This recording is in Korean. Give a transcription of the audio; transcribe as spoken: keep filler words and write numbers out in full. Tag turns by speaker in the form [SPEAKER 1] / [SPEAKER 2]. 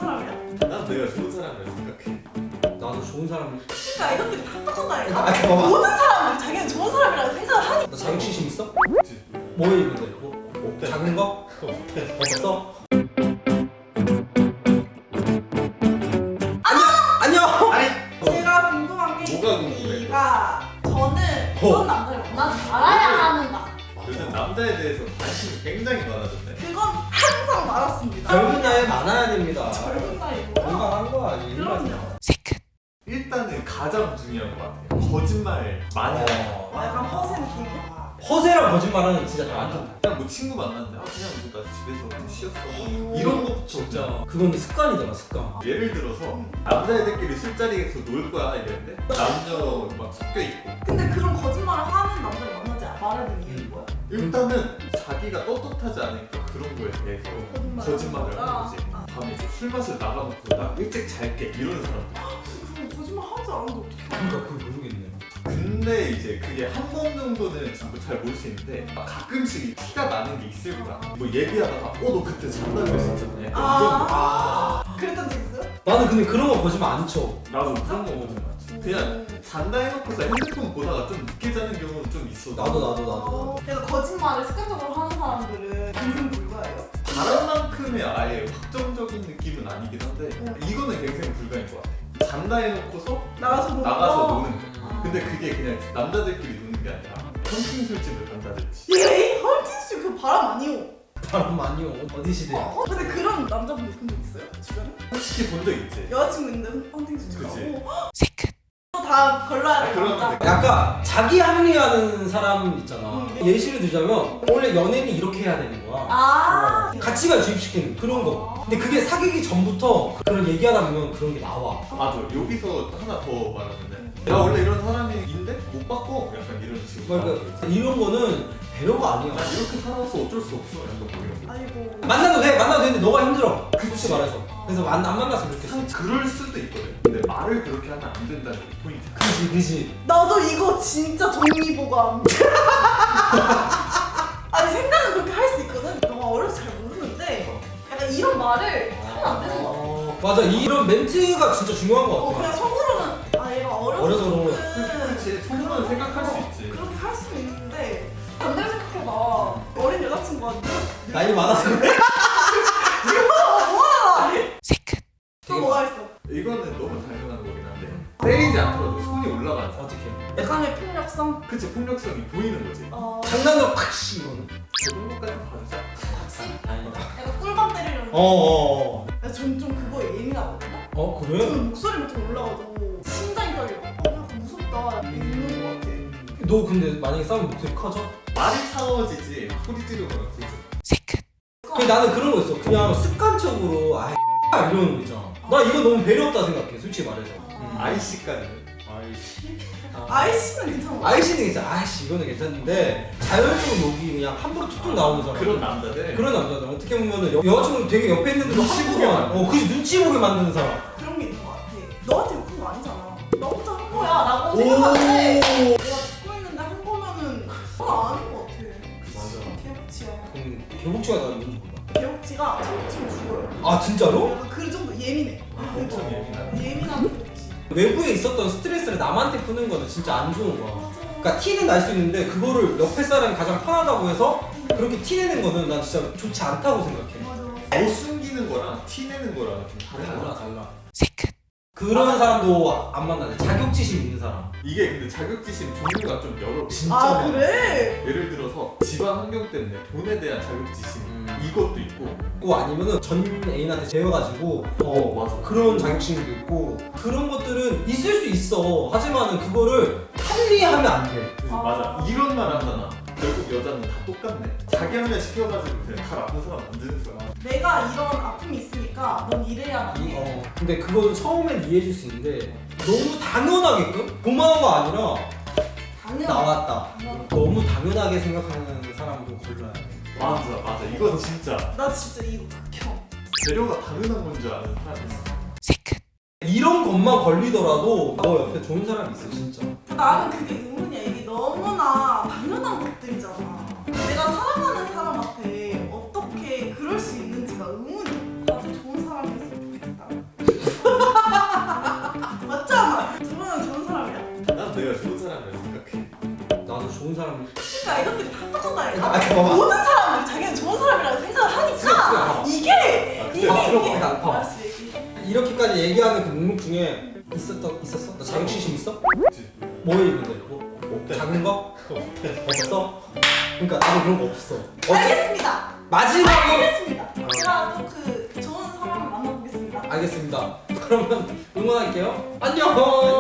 [SPEAKER 1] 사람이야?
[SPEAKER 2] 난 내가 좋은 사람이라 생각해.
[SPEAKER 3] 나도 좋은 사람.
[SPEAKER 1] 그러니까 이것들이 다 똑같다니까.
[SPEAKER 3] 아, 봐봐.
[SPEAKER 1] 모든 사람들이 자기는 좋은 사람이라고 생각을 하니까.
[SPEAKER 3] 너 자격지심 있어?
[SPEAKER 2] 없지.
[SPEAKER 3] 뭐에 있는데? 뭐?
[SPEAKER 2] 없대.
[SPEAKER 3] 작은 거? 없어? 안녕! 안녕!
[SPEAKER 2] 아니
[SPEAKER 1] 제가 궁금한 게
[SPEAKER 2] 뭐가 궁금해?
[SPEAKER 1] 있으니까 저는
[SPEAKER 3] 어.
[SPEAKER 1] 그런 남자를 만나지 말아야 하는가?
[SPEAKER 2] 요즘 남자에 대해서 관심이 굉장히 많아졌네.
[SPEAKER 1] 그건 항상 많았습니다.
[SPEAKER 3] 젊은 나이에 많아야 됩니다.
[SPEAKER 1] 젊은 나이 뭐야?
[SPEAKER 3] 건강한 거야. 이게
[SPEAKER 1] 그럼요.
[SPEAKER 2] 일단은 가장 중요한 것 같아요. 거짓말 많이 하는 거.
[SPEAKER 1] 어, 약간 허세 느낌이야?
[SPEAKER 3] 허세랑 거짓말은 진짜 잘 안 된다.
[SPEAKER 2] 그냥 뭐 친구 만났는데 아 그냥 뭐 나 집에서 그냥 쉬었어 뭐 이런 것부터
[SPEAKER 3] 진짜 그건 습관이잖아, 습관.
[SPEAKER 2] 예를 들어서 남자애들끼리 술자리에서 놀 거야 이랬는데 남자 막 섞여 있고
[SPEAKER 1] 근데 그런 거짓말을 하는 남자를 만나지 말아야 되는 이유는 뭐야?
[SPEAKER 2] 일단은 자기가 떳떳하지 않으니까 그런 거에 대해서
[SPEAKER 1] 거짓말을
[SPEAKER 2] 거짓말을
[SPEAKER 1] 하는
[SPEAKER 2] 하는 거지.
[SPEAKER 1] 거다.
[SPEAKER 2] 밤에 이제 술 마시러 나가놓고 나 일찍 잘게 이러는 사람들.
[SPEAKER 1] 그럼 거짓말 하지 않아도 어떻게
[SPEAKER 3] 그러니까 그걸 모르겠네.
[SPEAKER 2] 근데 이제 그게 한 번 정도는 전부 잘 모를 수 있는데 막 가끔씩 티가 나는 게 있을 거야. 뭐 얘기하다가 어 너 그때 잔다 그랬었잖아. 약간
[SPEAKER 1] 아, 그랬던 적 있어요?
[SPEAKER 3] 나는 근데 그런 거 거짓말 안 쳐.
[SPEAKER 2] 이런 거. 나도 그런 거 보지 마. 그냥 잔다 해놓고서 핸드폰 보다가 좀 늦게 자는 경우는 좀 있어.
[SPEAKER 3] 나도 나도 나도.
[SPEAKER 1] 그래서 거짓말을 습관적으로 하는 사람들은 인생 불가예요.
[SPEAKER 2] 바람만큼의 아예 확정적인 느낌은 아니긴 한데 이거는 갱생 불가인 것 같아. 잔다 해놓고서
[SPEAKER 1] 나가서 노는
[SPEAKER 2] 나가서
[SPEAKER 1] 거?
[SPEAKER 2] 노는 거. 근데 그게 그냥 남자들끼리 노는 게 아니라 hunting 술집을 간다든지.
[SPEAKER 1] 예? 헐티스 그 바람 아니오.
[SPEAKER 3] 바람 많이 오. 어디 시대?
[SPEAKER 1] 어? 근데 그런 남자분들 본 적 있어요? 주변에?
[SPEAKER 2] 솔직히 본 적 있지.
[SPEAKER 1] 여자친구 있는데 헌팅스
[SPEAKER 2] 그치.
[SPEAKER 1] 가고 다 걸러야 돼.
[SPEAKER 2] 그러면
[SPEAKER 1] 남자.
[SPEAKER 2] 돼.
[SPEAKER 3] 약간 자기 합리화하는 사람 있잖아.
[SPEAKER 1] 음.
[SPEAKER 3] 예시를 들자면 원래 연예인이 이렇게 해야 되는 거야.
[SPEAKER 1] 아.
[SPEAKER 3] 가치관 주입시키는 그런 거. 근데 그게 사귀기 전부터 그런 얘기하다 보면 그런 게 나와.
[SPEAKER 2] 맞아. 여기서 하나 더 말하는데 내가 원래 이런 사람인데 못 바꿔. 약간 이런 식으로.
[SPEAKER 3] 그러니까 이런 거는 배려가 아니야.
[SPEAKER 2] 나 이렇게 살아서 어쩔 수 없어. 약간 뭐 이런 거.
[SPEAKER 1] 아이고.
[SPEAKER 3] 만나도 돼, 만나도 되는데 너가 힘들어. 솔직히 말해서. 그래서 만, 안 만났으면 좋겠어.
[SPEAKER 2] 상- 그럴 수도 있거든. 근데 말을 그렇게 하면 안 된다는 게 포인트.
[SPEAKER 3] 그지, 그지.
[SPEAKER 1] 나도 이거 진짜 정리보감. 아니 생각은 그렇게 할 수 있거든. 너가 어려서 잘 모르는데 약간 이런 말을 하면 안 되는 거 같아.
[SPEAKER 3] 어, 맞아, 이런 멘트가 진짜 중요한 거
[SPEAKER 1] 어,
[SPEAKER 3] 같아.
[SPEAKER 1] 그냥 속으로는 아 얘가 어려서
[SPEAKER 3] 어려서 그런 거.
[SPEAKER 2] 그렇지. 속으로는 생각할 수 있지.
[SPEAKER 1] 그렇게 할 수는 있는데 반대로 생각해봐. 어린 여자친구가 늙-
[SPEAKER 3] 나이 많아서 그래?
[SPEAKER 1] 이거 뭐야? 또 뭐가 있어?
[SPEAKER 2] 이거는 너무 당연한 거긴 한데 때리지 않더라도 손이 올라가는 사람.
[SPEAKER 3] 어떻게?
[SPEAKER 1] 약간의 폭력성?
[SPEAKER 2] 그치. 폭력성이 보이는 거지.
[SPEAKER 1] 어...
[SPEAKER 3] 장난으로 팍 씨, 이거는.
[SPEAKER 2] 저 정도까지 봐주자.
[SPEAKER 3] 다행이다.
[SPEAKER 1] 약간 꿀밤 때리려는
[SPEAKER 3] 어어어.
[SPEAKER 1] 전좀 그거에 예민하거든요?
[SPEAKER 3] 어, 그래?
[SPEAKER 1] 저는 목소리부터 올라가도 심장이 떨려. 어, 약간 무섭다. 있는 것 같아.
[SPEAKER 3] 너 근데 만약에 싸우면 목소리 커져?
[SPEAKER 2] 말이 차가워지지 소리 지르거나 그러지.
[SPEAKER 3] 그 나는 그런 거 있어. 그냥 습관적으로 아 이러는 거 있잖아. 나 이거 너무 배려 없다 생각해. 솔직히 말해서. 음.
[SPEAKER 2] 아이씨까지는.
[SPEAKER 3] 아이씨.
[SPEAKER 1] 아이씨는 괜찮아.
[SPEAKER 3] 아이씨는 괜찮아. 아이씨 이거는 괜찮은데 자연적으로 욕이 그냥 함부로 툭툭 나오는 사람.
[SPEAKER 2] 그런 남자들.
[SPEAKER 3] 그런 남자들 어떻게 보면은 여, 여자친구 되게 옆에 있는데도
[SPEAKER 2] 눈치 보게
[SPEAKER 3] 함부로
[SPEAKER 2] 만드는.
[SPEAKER 3] 어, 그지 눈치 보게 만드는 사람.
[SPEAKER 1] 그런 게 있는 것 같아. 너한테 욕한 거 아니잖아. 너부터 한 거야. 라고 생각하는데 내가 듣고 있는데 한 거면은 그건 아닌 것 같아.
[SPEAKER 3] 맞아.
[SPEAKER 1] 개복치야.
[SPEAKER 3] 그럼 개복치가 나는 뭔지 몰라.
[SPEAKER 1] 개복치가 참치면 죽어요.
[SPEAKER 3] 아 진짜로?
[SPEAKER 1] 약간 그 정도 예민해.
[SPEAKER 2] 엄청 예민하네.
[SPEAKER 1] 예민한 개복치.
[SPEAKER 3] 외부에 있었던 스트레스를 남한테 푸는 거는 진짜 안 좋은 거야.
[SPEAKER 1] 맞아.
[SPEAKER 3] 그러니까 티는 날 수 있는데 그거를 옆에 사람이 가장 편하다고 해서 그렇게 티내는 거는 난 진짜 좋지 않다고 생각해.
[SPEAKER 1] 맞아.
[SPEAKER 2] 못 숨기는 거랑 티내는 거랑 좀 다른
[SPEAKER 3] 달라
[SPEAKER 2] 거야.
[SPEAKER 3] 달라. 그런 사람도 안 만나네. 자격지심 있는 사람.
[SPEAKER 2] 이게 근데 자격지심 종류가 좀 여러 개.
[SPEAKER 3] 진짜
[SPEAKER 1] 아
[SPEAKER 3] 많아.
[SPEAKER 1] 그래?
[SPEAKER 2] 예를 들어서 집안 환경 때문에 돈에 대한 자격지심
[SPEAKER 3] 음.
[SPEAKER 2] 이것도 있고
[SPEAKER 3] 고 아니면은 전 애인한테 재워가지고
[SPEAKER 2] 어, 맞아.
[SPEAKER 3] 그런 자격지심도 있고 그런 것들은 있을 수 있어. 하지만은 그거를 합리하면 안 돼.
[SPEAKER 2] 그래서
[SPEAKER 1] 아.
[SPEAKER 2] 맞아 이런 말 하잖아. 결국 여자는 다 똑같네. 자기 합리화 시켜가지고 그냥 다 나쁜 사람 만드는 거야.
[SPEAKER 1] 내가 이런 아픔이 있으니까 넌 이래야만
[SPEAKER 3] 이,
[SPEAKER 1] 해.
[SPEAKER 3] 어. 근데 그거는 처음엔 이해해줄 수 있는데 너무 당연하게끔 고마워가 아니라
[SPEAKER 1] 당연.
[SPEAKER 3] 나왔다.
[SPEAKER 1] 당연.
[SPEAKER 3] 너무 당연하게 생각하는 사람도 걸러야 돼.
[SPEAKER 2] 맞아 맞아 이건 진짜
[SPEAKER 1] 나 진짜 이거 극혐.
[SPEAKER 2] 배려가 당연한 건 줄 아는 사람이 있어.
[SPEAKER 3] 이런 것만 걸리더라도 너 옆에 좋은 사람이 있어 진짜.
[SPEAKER 1] 나는 그게 의문이야. 이게 너무나 당연한 것들이잖아. 내가 사랑하는 사람 앞에 어떻게 그럴 수 있는지가 의문이야. 나도 좋은 사람이었으면 좋겠다.
[SPEAKER 3] 좋은 사람을.
[SPEAKER 1] 그러니까 이것들이 다 똑같다니까.
[SPEAKER 3] 아, 잠깐만.
[SPEAKER 1] 모든 사람들이 자기는 좋은 사람이라고 생각을 하니까
[SPEAKER 3] 지금
[SPEAKER 1] 이게
[SPEAKER 2] 아,
[SPEAKER 1] 이게
[SPEAKER 3] 봐, 들어봐,
[SPEAKER 1] 이게
[SPEAKER 3] 봐, 봐.
[SPEAKER 1] 알았어 얘기해.
[SPEAKER 3] 이렇게까지 얘기하는 그 목록 중에 있었던 있었어? 너 자격지심 있어?
[SPEAKER 2] 없지.
[SPEAKER 3] 뭐에 있는데? 뭐
[SPEAKER 2] 없대.
[SPEAKER 3] 작은 거? 없어? 그러니까 나도 그런 거 없어. 어째
[SPEAKER 1] 알겠습니다.
[SPEAKER 3] 마지막으로
[SPEAKER 1] 알겠습니다. 제가 또 그 좋은 사람을 만나보겠습니다.
[SPEAKER 3] 알겠습니다. 그러면 응원할게요. 안녕.